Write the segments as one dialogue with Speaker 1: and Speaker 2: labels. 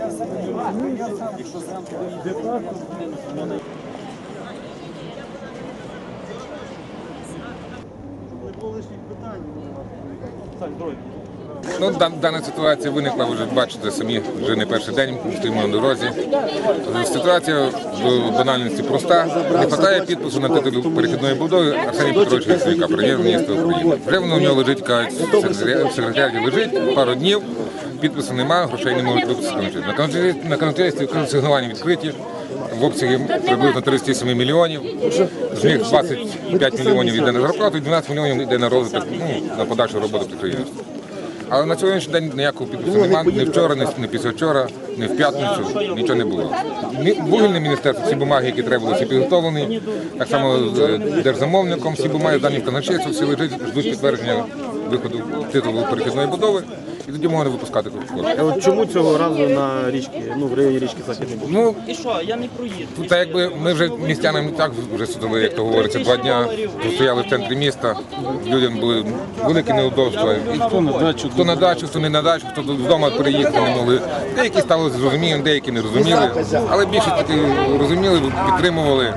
Speaker 1: Ну, дана ситуація виникла, ви вже бачите самі, вже не перший день, стоїмо на дорозі. Ситуація до банальності проста. Не вистачає підпису на титул перехідної будови Арсенія Петровича Яценюка, прем'єр-міністра України. Вже воно в нього лежить, кажуть, в секретаріаті лежить, пару днів, підпису немає, грошей не можуть випустити. На канцелярстві сигнування відкриті, в обсягі приблизно 37 мільйонів. З них 25 мільйонів йде на зарплату і 12 мільйонів йде на розвиток, на подальшу роботу підприємства. Але на сьогоднішній день ніякого підпису немає, ні вчора, ні післявчора, ні в п'ятницю, нічого не було. Вугільне міністерство, всі бумаги, які треба були, всі підготовлені, так само з держзамовником, всі бумаги дані в казначействі, всі лежать, ждуть підтвердження виходу титулу перехідної будови, і тоді можна випускати кошти.
Speaker 2: От чому цього разу на річці, в районі річки Західний Буг?
Speaker 1: Ну, і що, я не проїду. Та якби ми вже містянам так вже судили, як то говориться, 2 дня, стояли в центрі міста, людям були великі неудобства. Хто на дачу, хто не на дачу, хто вдома переїхати не могли. Деякі стали зрозумілими, деякі не розуміли, але більше таки розуміли, підтримували.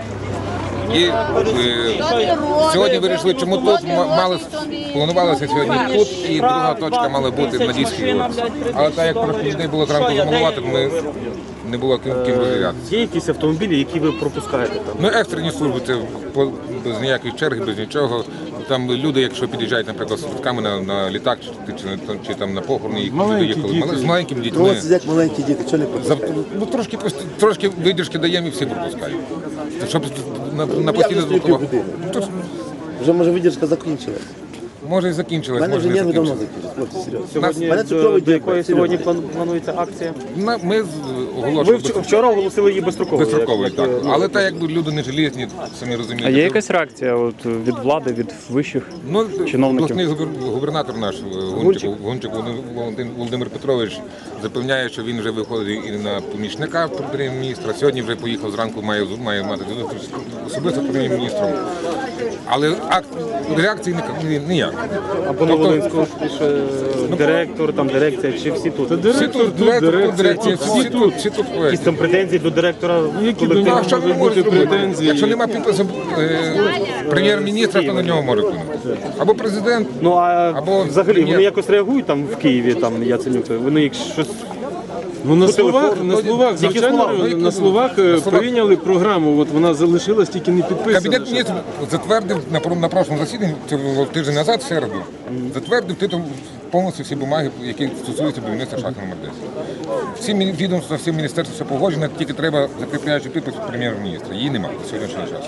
Speaker 1: І сьогодні вирішили, чому тут планувалося сьогодні тут, і друга точка мала бути в Надійській вулиці. Але так як просто людей було зранку замалувати, ми не було ким розділятися.
Speaker 2: Є якісь автомобілі, які ви пропускаєте там?
Speaker 1: Ну, екстрені служби, це без ніяких черг, без нічого. Там люди, якщо під'їжджають, наприклад, з швидками на літак чи там на похорони, їх люди їхали з маленькими дітьми.
Speaker 3: Сидять маленькі діти, що не пропускають?
Speaker 1: Ну, трошки видержки даємо і всі пропускають. Щоб на постійно звукова.
Speaker 3: Вже, може, видержка закінчилась.
Speaker 1: Може і закінчилась,
Speaker 3: Мене
Speaker 1: може
Speaker 3: вже
Speaker 1: не
Speaker 3: нерви давно
Speaker 1: закінчилась.
Speaker 3: закінчились, хлопці, серйозно.
Speaker 2: Сьогодні,
Speaker 3: Мене цукровий
Speaker 2: до якої
Speaker 3: діабет,
Speaker 2: сьогодні
Speaker 3: серйозно.
Speaker 2: планується акція?
Speaker 1: Ми
Speaker 2: Ви
Speaker 1: оголошуємо
Speaker 2: вчора оголосили її безстроковою.
Speaker 1: безстроковою, так. Але так, якби люди не железні, самі розумієте.
Speaker 4: А є якась реакція от, від влади, від вищих чиновників?
Speaker 1: Обласний губернатор наш Гунчик Володимир Петрович запевняє, що він вже виходить і на помічника прем'єр-міністра. Сьогодні вже поїхав зранку, має мати особисто з прем'єр-міністром. Але реакції ніяк.
Speaker 2: А по Новолинську директор, там дирекція, чи всі тут?
Speaker 1: Всі тут, дирекція, всі тут.
Speaker 2: Якісь там претензії до директора
Speaker 1: Ну, а що він може зробити? Якщо немає підпису прем'єр-міністра, то на нього може вплинути. Або президент,
Speaker 2: Ну а
Speaker 1: або
Speaker 2: взагалі
Speaker 1: прем'єр.
Speaker 2: вони якось реагують там в Києві, там Яценюк, вони їх щось...
Speaker 5: Ну, на словах,
Speaker 2: Тільки
Speaker 5: звичайно,
Speaker 2: слова.
Speaker 5: на словах прийняли програму, от вона залишилась, тільки не підписана.
Speaker 1: Кабінет міністрів затвердив на прошлому засіданні, це було тиждень назад, в середу, затвердив титул повністю всі бумаги, які стосуються будівництва шахти номер 10. Всі відомства, всі міністерства все погоджено, тільки треба закріпляючи підпис прем'єр-міністра. Її немає на сьогоднішній час.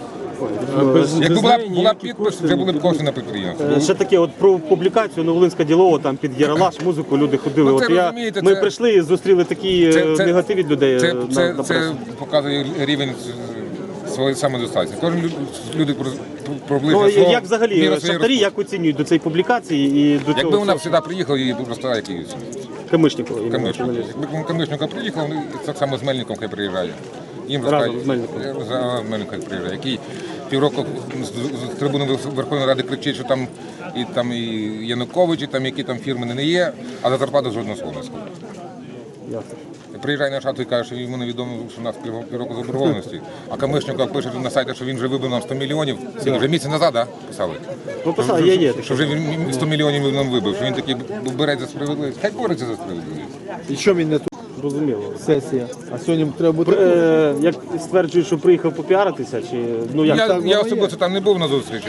Speaker 1: Якби була підпис, вже були б кошти на підприємство.
Speaker 2: Ще таке, от про публікацію Новолинська ділова, там під Яралаш, музику люди ходили.
Speaker 1: Ну, це,
Speaker 2: От
Speaker 1: розумієте,
Speaker 2: ми
Speaker 1: це-
Speaker 2: прийшли і зустріли такий негатив від людей.
Speaker 1: Це
Speaker 2: на пресі.
Speaker 1: показує рівень своєї самодостатності. Кожен люди
Speaker 2: Ну,
Speaker 1: проблизує свого
Speaker 2: як взагалі
Speaker 1: міра своєї
Speaker 2: шахтарі, як оцінюють до цієї публікації і до
Speaker 1: Якби
Speaker 2: цього
Speaker 1: вона сюди приїхала, її б просто якийсь
Speaker 2: Камишнікова?
Speaker 1: Якби Камишнюка приїхав, вони так само з Мельником хай приїжджає. Їм
Speaker 2: Разом
Speaker 1: розкажуть,
Speaker 2: з Мельником.
Speaker 1: з Мельником хай приїжджає, який півроку з трибуни Верховної Ради кричить, що там і Янукович, і там які там фірми не є, а за зарплату жодного слова не скаже. Приїжджає на шахту і каже, що йому невідомо, що у нас півроку заборгованості. А Камишнюка пише на сайті, що він вже вибив нам 100 мільйонів. Вже місяць назад, так, писали?
Speaker 2: Ну, писали, є.
Speaker 1: Що вже він 100 мільйонів нам вибив, що він такий бере за справедливість. Хай бореться за справедливість.
Speaker 3: І що він не тут?
Speaker 2: Зрозуміло.
Speaker 3: Сесія. А сьогодні треба бути.
Speaker 2: Як стверджують, що приїхав попіаритися, чи ну як
Speaker 1: Я особисто там не був на зустрічі,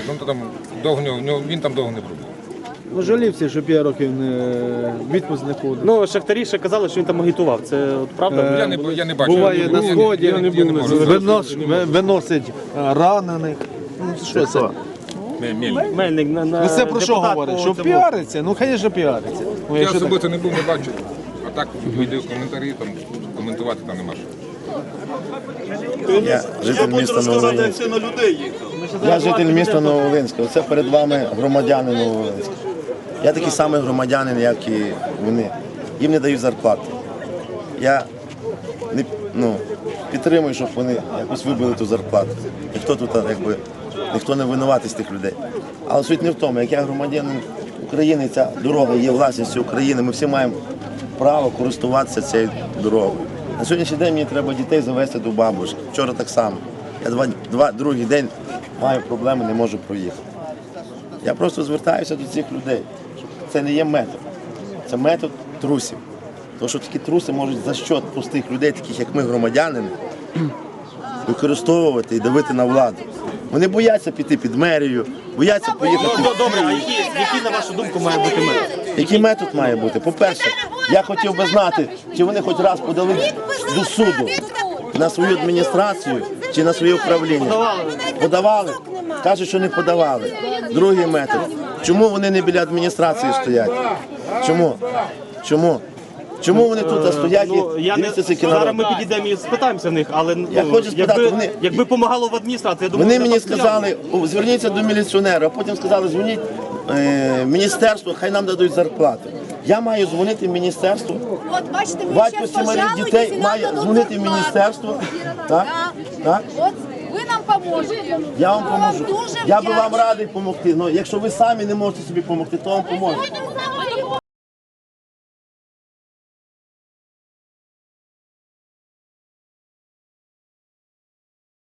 Speaker 1: він там довго не пробув.
Speaker 3: Ну, жалівся, що 5 років відпуск не ходив.
Speaker 2: ну шахтарі ще казали, що він там агітував. Це от правда?
Speaker 1: Я не бачу.
Speaker 3: Буває на сході,
Speaker 1: Я не можу.
Speaker 3: виносить ранених. Ну, що це?
Speaker 2: Мельник на
Speaker 3: Ну, це про що
Speaker 2: депутат
Speaker 3: говорить?
Speaker 2: по
Speaker 3: Що
Speaker 2: цьому.
Speaker 3: піариться? Ну, звісно, піариться. Ну,
Speaker 1: Я
Speaker 3: якщо так.
Speaker 1: особисто не був, не бачу. А так відео коментарі, там коментувати там нема що.
Speaker 6: Я житель міста Нововолинська. Я житель міста Нововолинська. Оце перед вами громадяни Нововолинська. Я такий самий громадянин, як і вони. Їм не дають зарплати. Я підтримую, щоб вони якось вибили ту зарплату. Ніхто не винуватий з тих людей. Але суть не в тому, як я громадянин України, ця дорога є власністю України. Ми всі маємо право користуватися цією дорогою. На сьогоднішній день мені треба дітей завести до бабушки. Вчора так само. Я другий день маю проблеми, не можу проїхати. Я просто звертаюся до цих людей. Це не є метод. Це метод трусів. Тому що такі труси можуть за счет простих людей, таких як ми, громадянини, використовувати і давити на владу. Вони бояться піти під мерію, бояться поїхати.
Speaker 2: Добре, а який, на вашу думку, має бути метод?
Speaker 6: Який метод має бути? По-перше, я хотів би знати, чи вони хоч раз подали до суду на свою адміністрацію чи на своє управління. Подавали? Кажуть, що не подавали. Другий метод. Чому вони не біля адміністрації стоять? Чому? Чому? Чому вони тут стоять і дивляться цей
Speaker 2: Зараз
Speaker 6: народ?
Speaker 2: ми підійдемо і спитаємося в них, але
Speaker 6: Я хочу спитати,
Speaker 2: якби помагало в адміністрації, я думаю,
Speaker 6: Вони
Speaker 2: вони
Speaker 6: мені
Speaker 2: так взяли.
Speaker 6: сказали, зверніться до міліціонера, а потім сказали, дзвоніть в міністерство, хай нам дадуть зарплату. Я маю дзвонити в міністерство.
Speaker 7: От бачите, ви
Speaker 6: Батько
Speaker 7: зараз
Speaker 6: 7
Speaker 7: пожалуєтесь,
Speaker 6: дітей
Speaker 7: і нам
Speaker 6: має
Speaker 7: дадуть
Speaker 6: дзвонити в
Speaker 7: зарплату.
Speaker 6: міністерство. Так? Так?
Speaker 7: От ви нам поможете.
Speaker 6: Я вам
Speaker 7: Ми
Speaker 6: поможу.
Speaker 7: дуже
Speaker 6: Я би вам
Speaker 7: вдячні.
Speaker 6: радий допомогти. Але якщо ви самі не можете собі допомогти, то вам поможу.